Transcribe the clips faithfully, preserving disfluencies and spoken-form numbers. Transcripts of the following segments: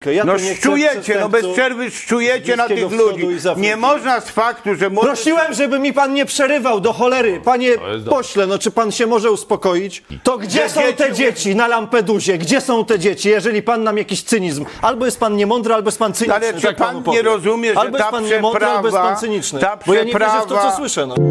Ja No tu nie chcę szczujecie, no bez przestępców przerwy szczujecie na Bliskiego tych Wschodu ludzi. i z Afryki. Nie można z faktu, że... młody- Prosiłem, żeby mi pan nie przerywał, do cholery. Panie pośle, no czy pan się może uspokoić? To gdzie Że są te dzieci- dzieci na Lampedusie? Gdzie są te dzieci, jeżeli pan nam jakiś cynizm? Albo jest pan niemądry, albo jest pan cyniczny. Ale czy tak pan panu nie powiem. rozumie, że albo jest ta pan niemądry, albo jest pan przeprawa- cyniczny. ta Bo ja nie wierzę w to, co przeprawa- słyszę. No.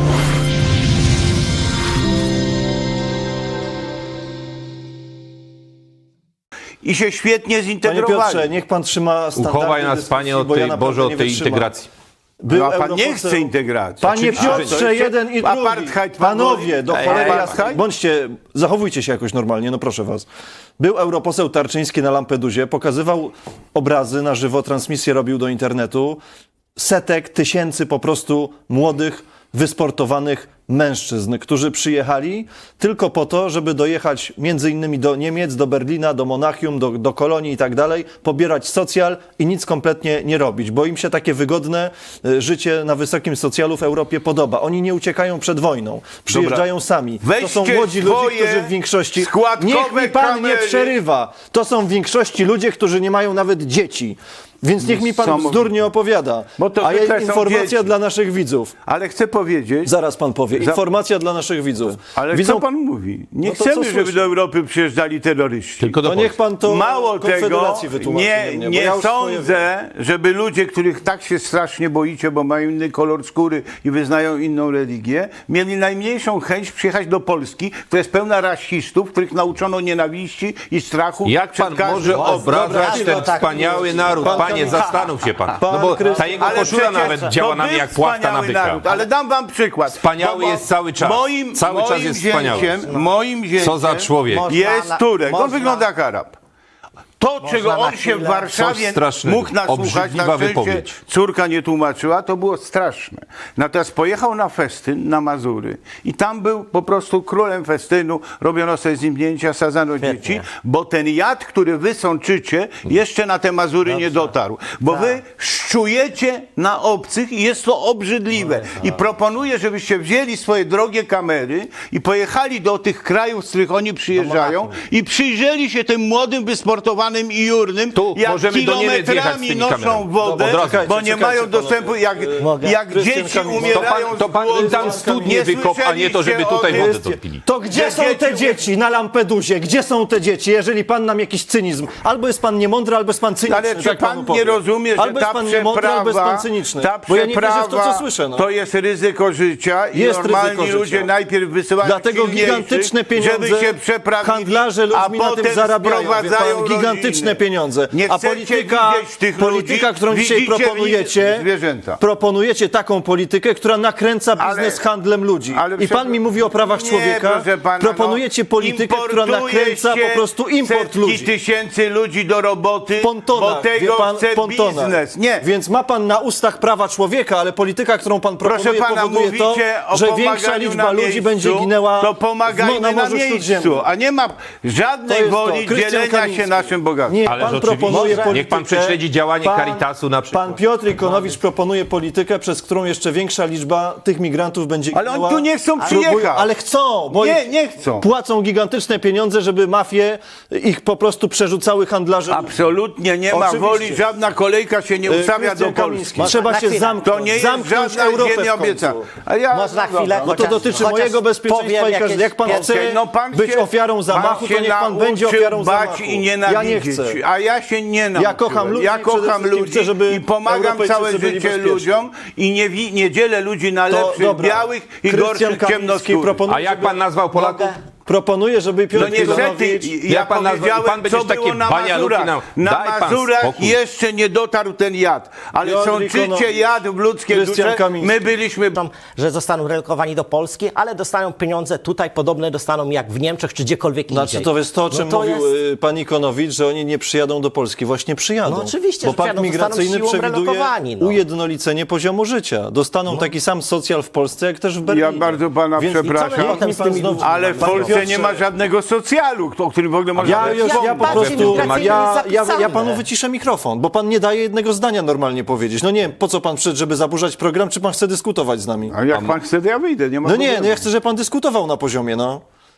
I się świetnie Panie zintegrowali. Piotrze, niech pan trzyma standardy Uchowaj nas, dyskusji, Panie, od bo ja tej, naprawdę Boże, od nie tej wytrzymam. integracji. Był No, a pan nie europoseł- chce integracji. Panie Oczywiście. A, to Piotrze, jeszcze jeden i drugi. apartheid pan Panowie, mówi? do Ej, cholery apartheid? jasnej. Bądźcie, zachowujcie się jakoś normalnie, no proszę was. Był europoseł Tarczyński na Lampedusie, pokazywał obrazy na żywo, transmisję robił do internetu. Setek, tysięcy po prostu młodych, wysportowanych mężczyzn, którzy przyjechali tylko po to, żeby dojechać między innymi do Niemiec, do Berlina, do Monachium, do, do Kolonii i tak dalej, pobierać socjal i nic kompletnie nie robić, bo im się takie wygodne y, życie na wysokim socjalu w Europie podoba. Oni nie uciekają przed wojną, przyjeżdżają sami. To są Weźcie młodzi ludzie, swoje którzy w większości... składkowe Niech mi pan nie kamery. przerywa. To są w większości ludzie, którzy nie mają nawet dzieci. Więc niech mi pan Niesamowite. bzdurnie nie opowiada. Bo to A zwykle ja są informacja dzieci. dla naszych widzów. Ale chcę powiedzieć... Zaraz pan powie. Za- Informacja dla naszych widzów. Ale Widzą... co pan mówi? Nie No to chcemy, co żeby słyszę? do Europy przyjeżdżali terroryści. Tylko do To niech pan to Mało tego, Konfederacji wytłumaczy. nie, mnie, bo nie ja już swoje- sądzę, żeby ludzie, których tak się strasznie boicie, bo mają inny kolor skóry i wyznają inną religię, mieli najmniejszą chęć przyjechać do Polski, która jest pełna rasistów, których nauczono nienawiści i strachu. Jak przed pan każdym może obrazem. obrażać ten wspaniały naród? Pan- Panie, pan- zastanów się pan. Pan No bo Krys- ta jego Ale koszula przecież nawet to działa na był mnie jak płachta na wspaniały byka. naród, ale dam wam przykład. Wspaniały jest cały czas. Moim, Cały moim czas jest wspaniały. zięciem, Moim zięciem Co za człowiek. jest Można- Turek. On można- wygląda jak Arab. To, czego na on się w chwilę- Warszawie Coś strasznego. mógł nasłuchać, na Obrzydliwa szczęście wypowiedź. córka nie tłumaczyła, to było straszne. Natomiast pojechał na festyn na Mazury i tam był po prostu królem festynu, robiono sobie z nim zdjęcia, sadzano dzieci, bo ten jad, który wy sączycie, jeszcze na te Mazury nie dotarł. Bo wy szczujecie na obcych i jest to obrzydliwe. I proponuję, żebyście wzięli swoje drogie kamery i pojechali do tych krajów, z których oni przyjeżdżają i przyjrzeli się tym młodym, wysportowanym i jurnym, Tu jak możemy do Niemiec jechać z kilometrami tymi noszą kamerami. wodę, Od razu. bo nie Czekajcie, mają czekajcie, dostępu, jak, Mogę? jak Krystian dzieci Kamiński. umierają To pan, to pan z głodu. im tam studnie Nie wykop, a nie to, żeby słyszeliście tutaj o wodę tym? topili. To gdzie Że są te dzieci- dzieci na Lampedusie? Gdzie są te dzieci, jeżeli pan nam jakiś cynizm? Albo jest pan niemądry, albo jest pan cyniczny. Ale czy tak pan panu nie powiem. rozumie, że albo jest ta pan niemądry, albo jest pan przeprawa, cyniczny. ta Bo ja nie wierzę w to, co przeprawa słyszę. No. to jest ryzyko życia i Jest normalni ryzyko życia. ludzie najpierw wysyłają Dlatego silniejszych, gigantyczne pieniądze, żeby się przeprawili, handlarze a ludźmi na potem tym zarabiają. Wie sprowadzają pan, gigantyczne rodziny. pieniądze. Nie A chcecie polityka, widzieć tych polityka ludzi, którą dzisiaj widzicie w nich proponujecie, zwierzęta. proponujecie taką politykę, która nakręca biznes Ale- handlem ludzi. ale I pan przecież- mi mówi o prawach Nie, człowieka. proszę pana, proponujecie no, politykę, która importuje nakręca się po prostu import setki ludzi. tysięcy ludzi do roboty, Pontona, bo tego wie pan, chce pontona. biznes. Nie. Więc ma pan na ustach prawa człowieka, ale polityka, którą pan proponuje, Proszę pana, powoduje to, mówicie o że pomaganiu większa liczba na ludzi miejscu, będzie ginęła to w, pomagajmy na na Morzu miejscu, Śródziemnym. a nie ma To żadnej jest to. woli Krystian dzielenia Kamiński. się naszym bogactwem. Nie, Ależ pan oczywiście. proponuje Niech politykę. pan prześledzi działanie Caritasu na przykład. Pan Piotr Ikonowicz proponuje politykę, przez którą jeszcze większa liczba tych migrantów będzie Ale oni ginęła. tu nie chcą Próbują- przyjechać. Ale chcą, bo Nie, ich nie chcą. płacą gigantyczne pieniądze, żeby mafie ich po prostu przerzucały handlarze. Absolutnie nie ma Oczywiście. woli, żadna kolejka się nie Y, ustawia do Krystian Polski. Kamiński. Trzeba Na się chwilę. zamknąć. To nie jest zamknąć żadna Europę w ziemia końcu. obieca. A ja, Można chwilę, No to chociaż- dotyczy chociaż mojego bezpieczeństwa powiem i każdy, jakieś jak pan pierwsze- chce No pan być się- ofiarą zamachu, pan to się niech pan będzie nauczył ofiarą bać zamachu. i nienawidzieć. Ja nie chcę. A ja się nie nauczyłem. kocham ludzi Ja i przede kocham wszystkim ludzi chcę, żeby i pomagam Europejczycy całe byli życie bezpieczni. ludziom i nie, wi- nie dzielę ludzi na To lepszych, dobra. białych i Krystian gorszych Kamiński ciemnoskórych. proponuje, A jak pan nazwał Polaków? Proponuję, żeby Piotr No niestety, Ikonowicz... ja Jak pan nazwa- powiedziałem, pan będzie co takie było na banialuki Mazurach. nam- Na Daj pan Mazurach spokój. jeszcze nie dotarł ten jad, ale Piotr sączycie Ikonowicz. jad w ludzkie Krystian dusze. Kamiński. My byliśmy... że zostaną relokowani do Polski, ale dostaną pieniądze tutaj, podobne dostaną jak w Niemczech czy gdziekolwiek Znaczy indziej. to jest to, o czym No to mówił jest- y, pan Ikonowicz, że oni nie przyjadą do Polski. Właśnie przyjadą. No oczywiście, Bo że pakt przyjadą, migracyjny zostaną siłą przewiduje relokowani, no. ujednolicenie poziomu życia. Dostaną taki sam socjal w Polsce, jak też w Berlinie. Ja bardzo pana Więc przepraszam. i co my potem Niech z mi tymi pan ludźmi- znów- Ale w Panie Polsce Piotrze, nie ma żadnego socjalu, o którym w ogóle można Ja, by już, ja wspomnieć. po Bardziej prostu, migracyjny ja, jest ja, ja zapisane. panu wyciszę mikrofon, bo pan nie daje jednego zdania normalnie powiedzieć. No nie wiem, po co pan przyszedł, żeby zaburzać program, czy pan chce dyskutować z nami? A jak pan chce, to ja wyjdę, nie ma No nie, problemu. no ja chcę, żeby pan dyskutował na poziomie, no.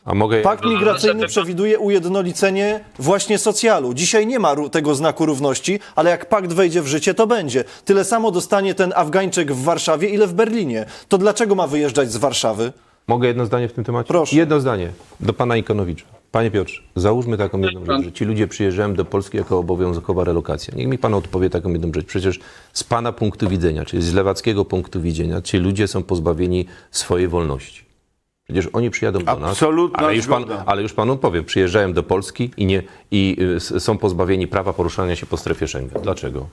A mogę... Pakt migracyjny przewiduje ujednolicenie właśnie socjalu. Dzisiaj nie ma ró- tego znaku równości, ale jak pakt wejdzie w życie, to będzie. Tyle samo dostanie ten Afgańczyk w Warszawie, ile w Berlinie. To dlaczego ma wyjeżdżać z Warszawy? Mogę jedno zdanie w tym temacie? Proszę. Jedno zdanie do pana Ikonowicza. Panie Piotrze, załóżmy taką jedną rzecz, że ci ludzie przyjeżdżają do Polski jako obowiązkowa relokacja. Niech mi pan odpowie taką jedną rzecz. Przecież z pana punktu widzenia, czyli z lewackiego punktu widzenia, ci ludzie są pozbawieni swojej wolności. Przecież oni przyjadą do nas, Absolutna ale już, pan, zgoda. ale już panu powiem, przyjeżdżają do Polski i, nie, i y, s- są pozbawieni prawa poruszania się po strefie Schengen. Dlaczego?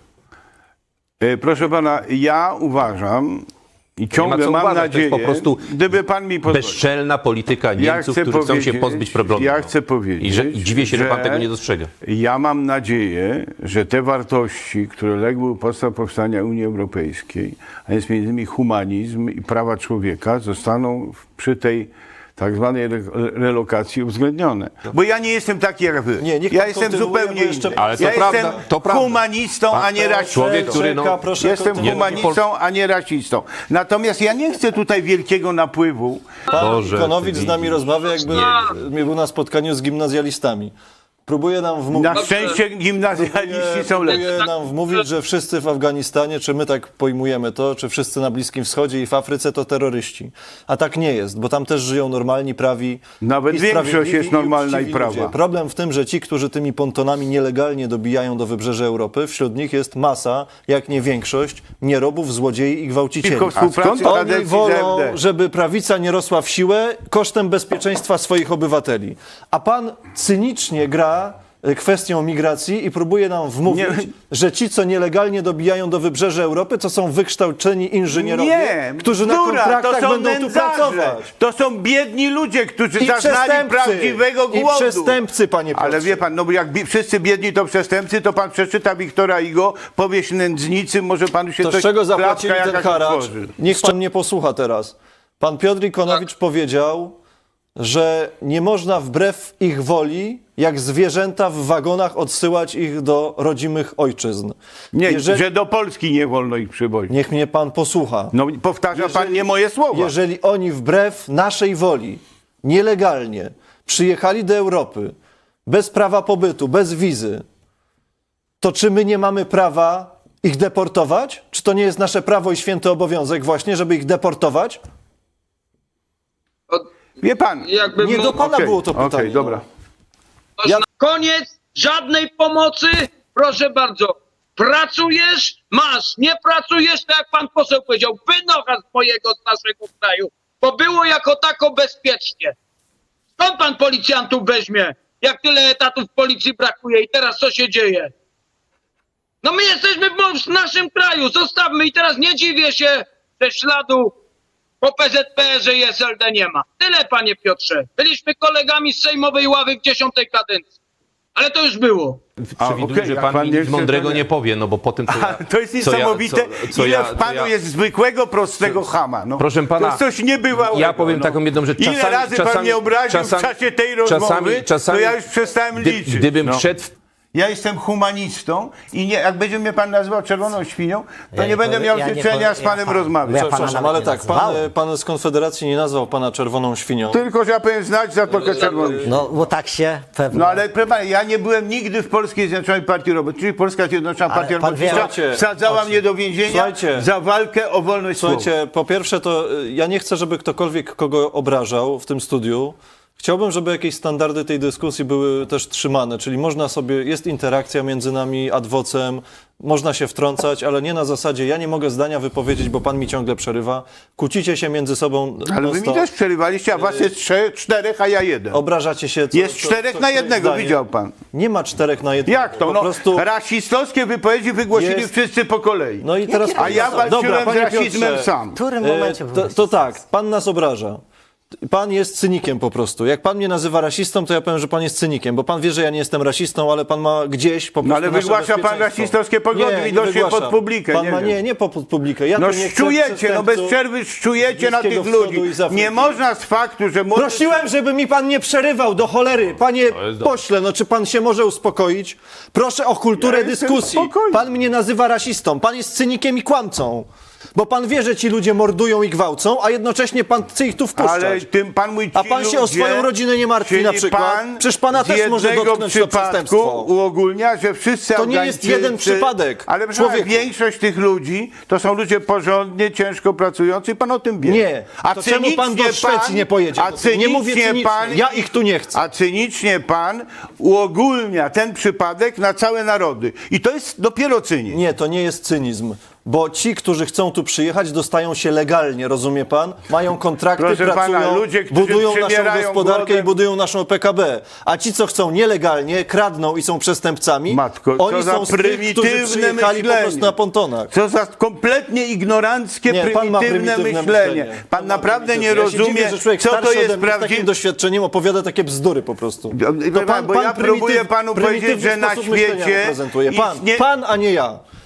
E, Proszę pana, ja uważam i ciągle co mam uważać, to nadzieję, jest po prostu gdyby pan mi pozwolił. Bezczelna polityka Niemców, chcę którzy chcą się powiedzieć- pozbyć problemu. ja chcę powiedzieć, I, że, I dziwię się, że, że- pan tego nie dostrzega. Ja mam nadzieję, że te wartości, które legły u podstaw powstania Unii Europejskiej, a jest między innymi humanizm i prawa człowieka, zostaną w- przy tej tak zwanej re- relokacji uwzględnione. Bo ja nie jestem taki jak wy. Nie, niech ja pan jestem kontynuuje, zupełnie bo jeszcze- inny. Ale to ja prawda, jestem to prawda. humanistą, a nie rasistą. człowiek, który, no, Czeka, proszę Jestem kontynuować. humanistą, a nie rasistą. Natomiast ja nie chcę tutaj wielkiego napływu. Pan Boże, Konowicz ty z nami widzisz. rozmawia, jakby był na spotkaniu z gimnazjalistami. Próbuje nam wmówić... Na szczęście gimnazjaliści są lepsi. Próbuje nam wmówić, że wszyscy w Afganistanie, czy my tak pojmujemy to, czy wszyscy na Bliskim Wschodzie i w Afryce to terroryści. A tak nie jest, bo tam też żyją normalni, prawi Nawet i większość sprawiedliwi jest normalna i uczciwi prawa. ludzie. Problem w tym, że ci, którzy tymi pontonami nielegalnie dobijają do wybrzeża Europy, wśród nich jest masa, jak nie większość, nierobów, złodziei i gwałcicieli. Tylko współpracy Oni kadencji wolą, z F D. żeby prawica nie rosła w siłę kosztem bezpieczeństwa swoich obywateli. A pan cynicznie gra y, kwestią migracji i próbuje nam wmówić, Nie. że ci, co nielegalnie dobijają do wybrzeża Europy, to są wykształceni inżynierowie, Nie, którzy na bzdura, kontraktach to są będą tu nędzarze. pracować. To są biedni ludzie, którzy I zaznali przestępcy. prawdziwego I głodu. przestępcy, panie Piotrze. Ale wie pan, no bo jak bi- wszyscy biedni to przestępcy, to pan przeczyta Wiktora Igo, powieść Nędznicy, może panu się To coś... z czego zapłacili klapka ten jakaś haracz? otworzy. Niech pan mnie posłucha teraz. Pan Piotr Ikonowicz powiedział, że nie można wbrew ich woli, jak zwierzęta w wagonach, odsyłać ich do rodzimych ojczyzn. Nie, Jeżeli- że do Polski nie wolno ich przywozić. Niech mnie pan posłucha. No powtarza pan nie moje słowa. Jeżeli oni wbrew naszej woli, nielegalnie przyjechali do Europy, bez prawa pobytu, bez wizy, to czy my nie mamy prawa ich deportować? Czy to nie jest nasze prawo i święty obowiązek właśnie, żeby ich deportować? Wie pan, Jakby Nie mógł- do pana okej, było to pytanie. okej, no. dobra. Ja- Koniec, żadnej pomocy, proszę bardzo. Pracujesz, masz, nie pracujesz, tak jak pan poseł powiedział, wynocha z mojego, z naszego kraju, bo było jako tako bezpiecznie. Skąd pan policjantów weźmie, jak tyle etatów w policji brakuje i teraz co się dzieje? No my jesteśmy w, w naszym kraju, zostawmy i teraz nie dziwię się, że śladu po P Z P R ze i S L D nie ma. Tyle, panie Piotrze. Byliśmy kolegami z sejmowej ławy w dziesiątej kadencji. Ale to już było. A, Przewiduję, okej, że jak pan, pan mi nie nic chce, mądrego to nie- nie powie, no bo po tym, co ja, A, to jest co ja- niesamowite, co- co ile ja- w co panu ja- jest zwykłego, prostego chama. No. Proszę pana, to jest coś niebywałego. ja powiem no. taką jedną rzecz. Ile Czasami- razy pan czasami- mnie obraził czasami- w czasie tej rozmowy, czasami- czasami- to ja już przestałem Gdy, liczyć. gdybym no. wszedł w Ja jestem humanistą i nie, jak będzie mnie pan nazywał czerwoną świnią, to Ja nie będę powie- miał ja nie życzenia powie- z panem ja- rozmawiać. ja pana Przepraszam, nawet ale nie tak, pan, nazwałem. pan z Konfederacji nie nazwał pana czerwoną świnią. Tylko, że ja powiem znać Zatokę Czerwoną. No, bo tak się pewnie... No ale proszę pana, ja nie byłem nigdy w Polskiej Zjednoczonej Partii Robotniczej, czyli Polska Zjednoczona Ale Partia pan wie- Robotnicza Słuchajcie, wsadzała mnie do więzienia Słuchajcie. za walkę o wolność słowa. Słuchajcie, po pierwsze to y, ja nie chcę, żeby ktokolwiek kogo obrażał w tym studiu. Chciałbym, żeby jakieś standardy tej dyskusji były też trzymane, czyli można sobie, jest interakcja między nami, adwocem, można się wtrącać, ale nie na zasadzie ja nie mogę zdania wypowiedzieć, bo pan mi ciągle przerywa. Kłócicie się między sobą. Ale wy mi non-stop. też przerywaliście, a was jest trzech, czterech, a ja jeden. Obrażacie się. Co, Jest co- czterech co na któreś jednego, zdanie. widział pan. Nie ma czterech na jednego. Jak to? Po No, prostu... rasistowskie wypowiedzi wygłosili Jest- wszyscy po kolei. No i teraz A ja walczyłem Dobra, z panie rasizmem Piotrze, sam. W którym E, momencie... To, to tak, pan nas obraża. Pan jest cynikiem po prostu. Jak pan mnie nazywa rasistą, to ja powiem, że pan jest cynikiem, bo pan wie, że ja nie jestem rasistą, ale pan ma gdzieś po prostu No ale nasze wygłasza pan bezpieczeństwo. rasistowskie poglądy, Nie, widocznie nie wygłaszam. pod publikę, Pan nie ma, wiem. nie, nie po pod publikę. Ja No tu nie chcę szczujecie, no bez przestępców. przerwy szczujecie na Bliskiego tych Wschodu ludzi. i z Afryki. Nie można z faktu, że... młody- Prosiłem, żeby mi pan nie przerywał do cholery. Panie jest dobre. pośle, no czy pan się może uspokoić? Proszę o kulturę Ja jestem dyskusji. spokojny. Pan mnie nazywa rasistą. Pan jest cynikiem i kłamcą. Bo pan wie, że ci ludzie mordują i gwałcą, a jednocześnie pan chce ich tu wpuszczać. Ale tym pan mój, ci A pan się o ludzie, swoją rodzinę nie martwi czyli na przykład? Pan Przecież pana z też może jednego dotknąć to przypadku przestępstwo. uogólnia, że wszyscy To nie jest Afgańczycy- jeden przypadek, Ale proszę pana, człowieku. większość tych ludzi to są ludzie porządnie, ciężko pracujący i pan o tym wie. Nie. To czemu pan do cynicznie Szwecji nie pojedzie? A Nie cynicznie mówię cynicznie. pan, Ja ich tu nie chcę. A cynicznie pan uogólnia ten przypadek na całe narody. I to jest dopiero cynizm. Nie, to nie jest cynizm. Bo ci, którzy chcą tu przyjechać, dostają się legalnie, rozumie pan? Mają kontrakty, Proszę pana, pracują, ludzie, którzy budują naszą przybierają gospodarkę głodem- i budują naszą P K B. A ci, co chcą nielegalnie, kradną i są przestępcami, Matko, co oni za są z tych, którzy prymitywne przyjechali po myślenie. prostu na pontonach. Co za kompletnie ignoranckie, Nie, pan ma prymitywne, prymitywne myślenie. myślenie. Pan ma naprawdę nie prymitywne. Ja się rozumie, dziwię, że człowiek co to starszy ode jest mnie z takim prawdziwe. doświadczeniem opowiada takie bzdury po prostu. Wie pan, bo ja prymityw- próbuję panu powiedzieć, prymitywny że na sposób myślenia świecie reprezentuje. Pan, istnie- pan, a nie ja.